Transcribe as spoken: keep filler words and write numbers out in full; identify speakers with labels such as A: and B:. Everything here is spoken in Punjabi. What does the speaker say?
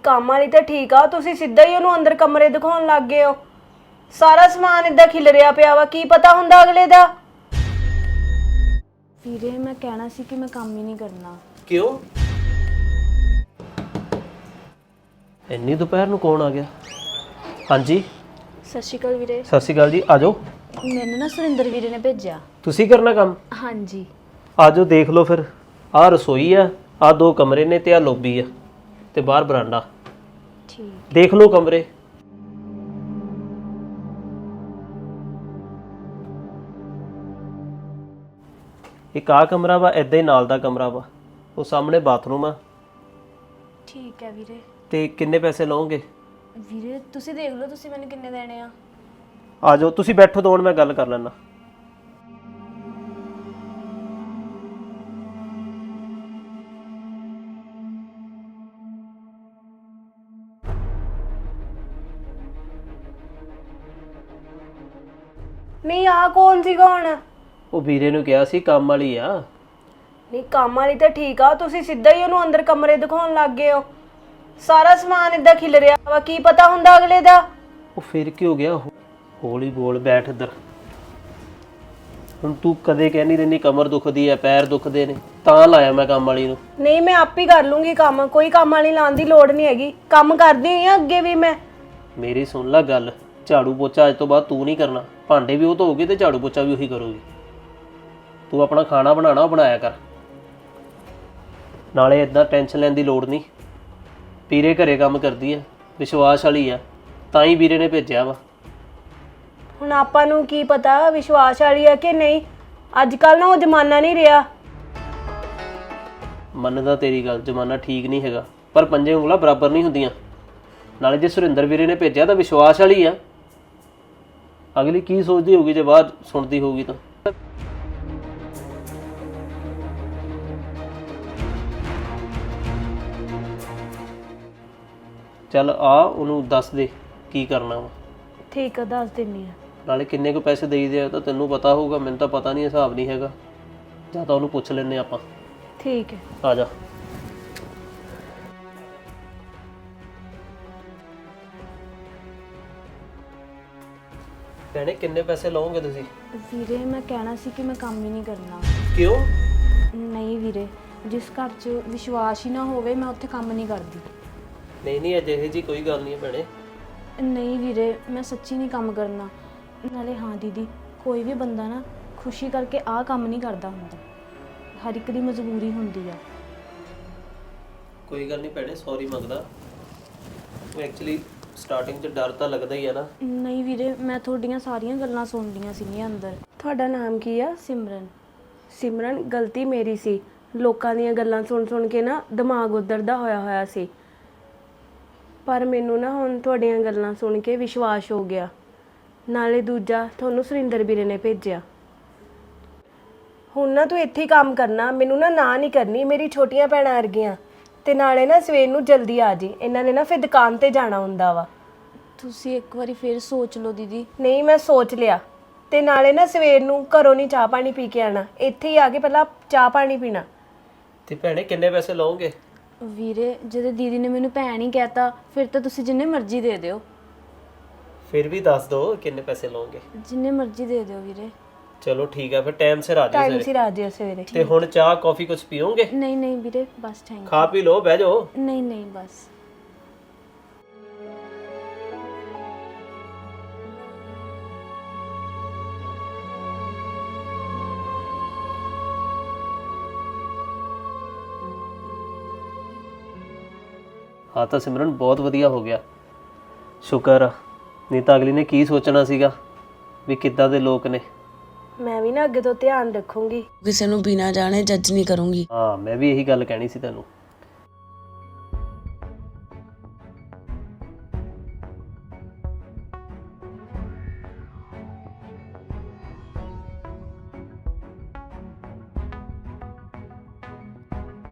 A: ਕੰਮ ਵਾਲੀ ਤਾਂ ਠੀਕ ਆ, ਤੁਸੀਂ ਸਿੱਧਾ ਹੀ ਉਹਨੂੰ ਅੰਦਰ ਕਮਰੇ ਦਿਖਾਉਣ ਲੱਗ ਗਏ ਹੋ। ਸਾਰਾ ਸਮਾਨ ਇਦਾਂ ਖਿਲਰਿਆ ਪਿਆ ਵਾ, ਕੀ ਪਤਾ ਹੁੰਦਾ ਅਗਲੇ ਦਾ।
B: ਵੀਰੇ ਮੈਂ ਕਹਿਣਾ ਸੀ ਕਿ ਮੈਂ ਕੰਮ ਹੀ ਨਹੀਂ ਕਰਨਾ।
C: ਕਿਉਂ? ਇੰਨੀ ਦੁਪਹਿਰ ਨੂੰ ਕੌਣ ਆ ਗਿਆ? ਹਾਂਜੀ
B: ਸਤਿ ਸ਼੍ਰੀ ਅਕਾਲ ਵੀਰੇ।
C: ਸਤਿ ਸ਼੍ਰੀ ਅਕਾਲ ਜੀ, ਆ ਜਾਓ।
B: ਮੈਨੂੰ ਨਾ ਸੁਰਿੰਦਰ ਵੀਰੇ ਨੇ ਭੇਜਿਆ।
C: ਤੁਸੀਂ ਕਰਨਾ ਕੰਮ?
B: ਹਾਂਜੀ।
C: ਆ ਜਾਓ, ਦੇਖ ਲਓ ਫਿਰ। ਆਹ ਰਸੋਈ ਆ, ਆਹ ਦੋ ਕਮਰੇ ਨੇ ਤੇ ਆਹ ਲੋਬੀ ਆ ਤੇ ਬਾਹਰ ਬਰਾਂਡਾ।
B: ਠੀਕ।
C: ਦੇਖ ਲਓ ਕਮਰੇ। ਇੱਕ ਆਹ ਕਮਰਾ ਵਾ, ਏਦਾਂ ਹੀ ਨਾਲ ਦਾ ਕਮਰਾ ਵਾ, ਉਹ ਸਾਹਮਣੇ ਬਾਥਰੂਮ ਆ।
B: ਠੀਕ ਹੈ ਵੀਰੇ।
C: ਤੇ ਕਿੰਨੇ ਪੈਸੇ ਲਓਗੇ?
B: ਵੀਰੇ ਤੁਸੀਂ ਦੇਖ ਲਓ, ਤੁਸੀਂ ਮੈਨੂੰ ਕਿੰਨੇ ਦੇਣੇ ਆ।
C: ਆ ਜਾਓ, ਤੁਸੀਂ ਬੈਠੋ ਦੋ ਮਿੰਟ, ਮੈਂ ਗੱਲ ਕਰ ਲੈਣਾ।
A: ਨਹੀਂ ਆ ਕੌਣ ਸੀਗਾ ਹੁਣ?
C: ਉਹ ਵੀਰੇ ਨੂੰ ਕਿਹਾ ਸੀ ਕੰਮ ਵਾਲੀ ਆ।
A: ਨਹੀਂ ਕੰਮ ਵਾਲੀ ਤਾਂ ਠੀਕ ਆ, ਤੁਸੀਂ ਸਿੱਧਾ ਹੀ ਉਹਨੂੰ ਅੰਦਰ ਕਮਰੇ ਦਿਖਾਉਣ ਲੱਗ ਗਏ ਹੋ। ਸਾਰਾ ਸਮਾਨ ਇਦਾਂ ਖਿਲਰਿਆ ਵਾ, ਕੀ ਪਤਾ ਹੁੰਦਾ ਅਗਲੇ ਦਾ।
C: ਉਹ ਫਿਰ ਕੀ ਹੋ ਗਿਆ? ਹੌਲੀ ਬੋਲ, ਬੈਠ ਇੱਧਰ। ਹੁਣ ਤੂੰ ਕਦੇ ਕਹਿੰਦੀ ਰਹਿੰਦੀ ਕਮਰ ਦੁਖਦੀ ਐ, ਪੈਰ ਦੁਖਦੇ ਨੇ, ਤਾਂ ਲਾਇਆ ਮੈਂ ਕੰਮ ਵਾਲੀ ਨੂੰ।
A: ਨਹੀਂ ਮੈਂ ਆਪ ਹੀ ਕਰ ਲੂੰਗੀ ਕੰਮ, ਕੋਈ ਕੰਮ ਵਾਲੀ ਲਾਉਣ ਦੀ ਲੋੜ ਨਹੀਂ ਹੈਗੀ। ਕੰਮ ਕਰਦੀ ਹੋਈ ਆ ਅੱਗੇ ਵੀ ਮੈਂ।
C: ਮੇਰੀ ਸੁਣ ਲੈ ਗੱਲ, ਝਾੜੂ ਪੋਚਾ ਅੱਜ ਤੋਂ ਬਾਅਦ ਤੂੰ ਨਹੀਂ ਕਰਨਾ। ਭਾਂਡੇ ਵੀ ਉਹ ਧੋਊਗੀ ਤੇ ਝਾੜੂ ਪੋਚਾ ਵੀ ਉਹੀ ਕਰੂਗੀ। ਤੂੰ ਆਪਣਾ ਖਾਣਾ ਬਣਾਉਣਾ ਉਹ ਬਣਾਇਆ ਕਰ। ਨਾਲੇ ਇਦਾਂ ਟੈਨਸ਼ਨ ਲੈਣ ਦੀ ਲੋੜ ਨਹੀਂ। ਵੀਰੇ ਘਰੇ ਕੰਮ ਕਰਦੀ ਐ, ਵਿਸ਼ਵਾਸ ਵਾਲੀ ਆ, ਤਾਂ ਹੀ ਵੀਰੇ ਨੇ ਭੇਜਿਆ ਵਾ।
A: ਹੁਣ ਆਪਾਂ ਨੂੰ ਕੀ ਪਤਾ ਵਿਸ਼ਵਾਸ ਵਾਲੀ ਆ ਕਿ ਨਹੀਂ। ਅੱਜ ਕੱਲ ਨਾ ਉਹ ਜ਼ਮਾਨਾ ਨਹੀਂ ਰਿਹਾ।
C: ਮੰਨਦਾ ਤੇਰੀ ਗੱਲ, ਜ਼ਮਾਨਾ ਠੀਕ ਨਹੀਂ ਹੈਗਾ, ਪਰ ਪੰਜੇ ਉਂਗਲਾਂ ਬਰਾਬਰ ਨਹੀਂ ਹੁੰਦੀਆਂ। ਨਾਲੇ ਜੇ ਸੁਰਿੰਦਰ ਵੀਰੇ ਨੇ ਭੇਜਿਆ ਤਾਂ ਵਿਸ਼ਵਾਸ ਵਾਲੀ ਆ। ਅਗਲੀ ਕੀ ਸੋਚਦੀ ਹੋਊਗੀ ਜੇ ਬਾਅਦ ਸੁਣਦੀ ਹੋਊਗੀ ਤਾਂ। ਚੱਲ ਆ, ਉਹਨੂੰ ਦੱਸ ਦੇ ਕੀ ਕਰਨਾ ਵਾ।
A: ਠੀਕ ਆ, ਦੱਸ ਦਿੰਨੀ ਆ।
C: ਨਾਲੇ ਕਿੰਨੇ ਕੁ ਪੈਸੇ ਦੇਈਦੇ ਆ ਤਾਂ ਤੈਨੂੰ ਪਤਾ ਹੋਊਗਾ, ਮੈਨੂੰ ਤਾਂ ਪਤਾ ਨਹੀਂ, ਹਿਸਾਬ ਨਹੀਂ ਹੈਗਾ। ਜਾਂ ਤਾਂ ਉਹਨੂੰ ਪੁੱਛ ਲੈਂਦੇ ਆਪਾਂ।
A: ਠੀਕ ਹੈ,
C: ਆ ਜਾ। ਭੈਣੇ ਕਿੰਨੇ ਪੈਸੇ ਲਓਗੇ ਤੁਸੀਂ?
B: ਵੀਰੇ ਮੈਂ ਕਹਿਣਾ ਸੀ ਕਿ ਮੈਂ ਕੰਮ ਹੀ ਨਹੀਂ ਕਰਨਾ।
C: ਕਿਉਂ?
B: ਨਹੀਂ ਵੀਰੇ, ਜਿਸ ਘਰ 'ਚ ਵਿਸ਼ਵਾਸ ਹੀ ਨਾ ਹੋਵੇ ਮੈਂ ਉੱਥੇ ਕੰਮ ਨਹੀਂ ਕਰਦੀ।
C: ਨਹੀਂ ਨਹੀਂ, ਅਜਿਹੀ ਜੀ ਕੋਈ ਗੱਲ ਨਹੀਂ ਹੈ ਭੈਣੇ।
B: ਨਹੀਂ ਵੀਰੇ, ਮੈਂ ਸੱਚੀ ਨਹੀਂ ਕੰਮ ਕਰਨਾ। ਨਾਲੇ ਹਾਂ ਦੀਦੀ, ਕੋਈ ਵੀ ਬੰਦਾ ਨਾ ਖੁਸ਼ੀ ਕਰਕੇ ਆਹ ਕੰਮ ਨਹੀਂ ਕਰਦਾ ਹੁੰਦਾ। ਹਰ ਇੱਕ ਦੀ ਮਜਬੂਰੀ ਹੁੰਦੀ ਆ।
C: ਕੋਈ ਗੱਲ ਨਹੀਂ ਭੈਣੇ, ਸੌਰੀ ਮੰਗਦਾ। ਉਹ ਐਕਚੁਅਲੀ ਸਟਾਰਟਿੰਗ 'ਚ ਡਰ ਤਾਂ ਲੱਗਦਾ ਹੀ ਆ ਨਾ।
B: ਨਹੀਂ ਵੀਰੇ, ਮੈਂ ਤੁਹਾਡੀਆਂ ਸਾਰੀਆਂ ਗੱਲਾਂ ਸੁਣਦੀਆਂ ਸੀਗੀਆਂ ਅੰਦਰ।
A: ਤੁਹਾਡਾ ਨਾਮ ਕੀ ਆ?
B: ਸਿਮਰਨ।
A: ਸਿਮਰਨ, ਗਲਤੀ ਮੇਰੀ ਸੀ। ਲੋਕਾਂ ਦੀਆਂ ਗੱਲਾਂ ਸੁਣ ਸੁਣ ਕੇ ਨਾ ਦਿਮਾਗ ਉੱਧਰ ਦਾ ਹੋਇਆ ਹੋਇਆ ਸੀ। ਪਰ ਮੈਨੂੰ ਨਾ ਹੁਣ ਤੁਹਾਡੀਆਂ ਗੱਲਾਂ ਸੁਣ ਕੇ ਵਿਸ਼ਵਾਸ ਹੋ ਗਿਆ। ਨਾਲੇ ਦੂਜਾ, ਤੁਹਾਨੂੰ ਸੁਰਿੰਦਰ ਵੀਰੇ ਨੇ ਭੇਜਿਆ। ਹੁਣ ਨਾ ਤੂੰ ਇੱਥੇ ਹੀ ਕੰਮ ਕਰਨਾ, ਮੈਨੂੰ ਨਾ ਨਾ ਨਹੀਂ ਕਰਨੀ। ਮੇਰੀ ਛੋਟੀਆਂ ਭੈਣਾਂ ਵਰਗੀਆਂ। ਤੇ ਨਾਲੇ ਨਾ ਸਵੇਰ ਨੂੰ ਜਲਦੀ ਆ ਜੀ, ਇਹਨਾਂ ਨੇ ਨਾ ਫਿਰ ਦੁਕਾਨ ਤੇ ਜਾਣਾ ਹੁੰਦਾ ਵਾ।
B: ਤੁਸੀਂ ਇੱਕ ਵਾਰੀ ਫਿਰ ਸੋਚ ਲਓ ਦੀਦੀ।
A: ਨਹੀਂ ਮੈਂ ਸੋਚ ਲਿਆ। ਤੇ ਨਾਲੇ ਨਾ ਸਵੇਰ ਨੂੰ ਘਰੋਂ ਨਹੀਂ ਚਾਹ ਪਾਣੀ ਪੀ ਕੇ ਆਣਾ, ਇੱਥੇ ਹੀ ਆ ਕੇ ਪਹਿਲਾਂ ਚਾਹ ਪਾਣੀ ਪੀਣਾ।
C: ਤੇ ਭੈਣੇ ਕਿੰਨੇ ਪੈਸੇ ਲਓਗੇ?
B: ਵੀਰੇ ਜਦੋਂ ਦੀਦੀ ਨੇ ਮੈਨੂੰ ਭੈਣ ਹੀ ਕਹਿਤਾ, ਫਿਰ ਤਾਂ ਤੁਸੀਂ ਜਿੰਨੇ ਮਰਜ਼ੀ ਦੇ ਦਿਓ।
C: ਫਿਰ ਵੀ ਦੱਸ ਦਿਓ ਕਿੰਨੇ ਪੈਸੇ ਲਓਗੇ।
B: ਜਿੰਨੇ ਮਰਜ਼ੀ ਦੇ ਦਿਓ ਵੀਰੇ।
C: ਚਲੋ ਠੀਕ ਹੈ, ਫਿਰ ਟਾਈਮ ਸਿਰ ਆ ਜਾਓ
A: ਟਾਈਮ
C: ਸਵੇਰੇ।
A: ਸਿਰ ਆ ਜਿਓ ਸਵੇਰੇ।
C: ਤੇ ਹੁਣ ਚਾਹ ਕਾਫੀ ਕੁਝ ਪੀਓਗੇ?
B: ਨਹੀਂ ਨਹੀਂ ਵੀਰੇ, ਬਸ ਥੈਂਕ
C: ਖਾ ਪੀ ਲਓ, ਬਹਿ ਜਾਓ।
B: ਯੂ। ਨਹੀਂ ਨਹੀਂ ਬਸ।
C: ਹਾਂ ਤਾਂ ਸਿਮਰਨ ਬਹੁਤ ਵਧੀਆ ਹੋ ਗਿਆ, ਸ਼ੁਕਰ ਆ। ਨਹੀਂ ਤਾਂ ਅਗਲੀ ਨੇ ਕੀ ਸੋਚਣਾ ਸੀਗਾ ਵੀ ਕਿੱਦਾਂ ਦੇ ਲੋਕ ਨੇ।
A: ਮੈਂ ਵੀ ਨਾ ਅੱਗੇ ਤੋਂ ਧਿਆਨ ਰੱਖੂੰਗੀ।
D: ਕਿਸੇ ਨੂੰ ਬਿਨਾਂ ਜਾਣੇ ਜੱਜ ਨਹੀਂ ਕਰੂੰਗੀ।
C: ਹਾਂ, ਮੈਂ ਵੀ ਇਹੀ ਗੱਲ ਕਹਿਣੀ ਸੀ ਤੈਨੂੰ।